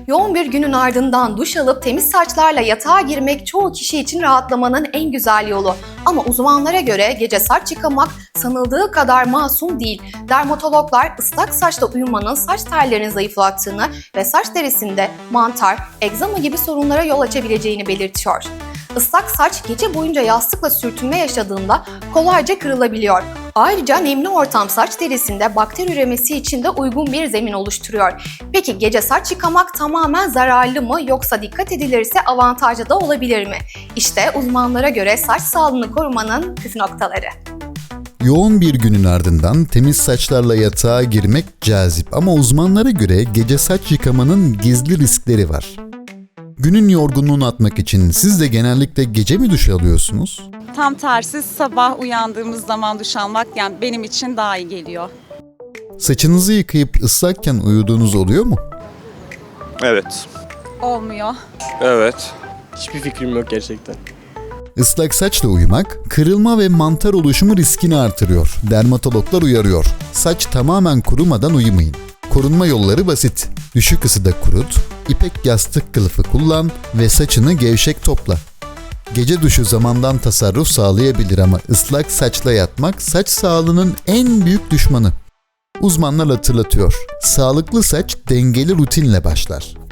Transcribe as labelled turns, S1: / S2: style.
S1: Yoğun bir günün ardından duş alıp temiz saçlarla yatağa girmek çoğu kişi için rahatlamanın en güzel yolu. Ama uzmanlara göre gece saç yıkamak sanıldığı kadar masum değil. Dermatologlar ıslak saçla uyumanın saç tellerini zayıflattığını ve saç derisinde mantar, egzama gibi sorunlara yol açabileceğini belirtiyor. Islak saç gece boyunca yastıkla sürtünme yaşadığında kolayca kırılabiliyor. Ayrıca nemli ortam saç derisinde bakteri üremesi için de uygun bir zemin oluşturuyor. Peki gece saç yıkamak tamamen zararlı mı yoksa dikkat edilirse avantajlı da olabilir mi? İşte uzmanlara göre saç sağlığını korumanın püf noktaları.
S2: Yoğun bir günün ardından temiz saçlarla yatağa girmek cazip ama uzmanlara göre gece saç yıkamanın gizli riskleri var. Günün yorgunluğunu atmak için siz de genellikle gece mi duş alıyorsunuz?
S3: Tam tersi sabah uyandığımız zaman duş almak yani benim için daha iyi geliyor.
S2: Saçınızı yıkayıp ıslakken uyuduğunuz oluyor mu?
S4: Evet.
S3: Olmuyor.
S4: Evet.
S5: Hiçbir fikrim yok gerçekten.
S2: Islak saçla uyumak, kırılma ve mantar oluşumu riskini artırıyor. Dermatologlar uyarıyor. Saç tamamen kurumadan uyumayın. Korunma yolları basit. Düşük ısıda kurut, ipek yastık kılıfı kullan ve saçını gevşek topla. Gece duşu zamandan tasarruf sağlayabilir ama ıslak saçla yatmak saç sağlığının en büyük düşmanı. Uzmanlar hatırlatıyor. Sağlıklı saç dengeli rutinle başlar.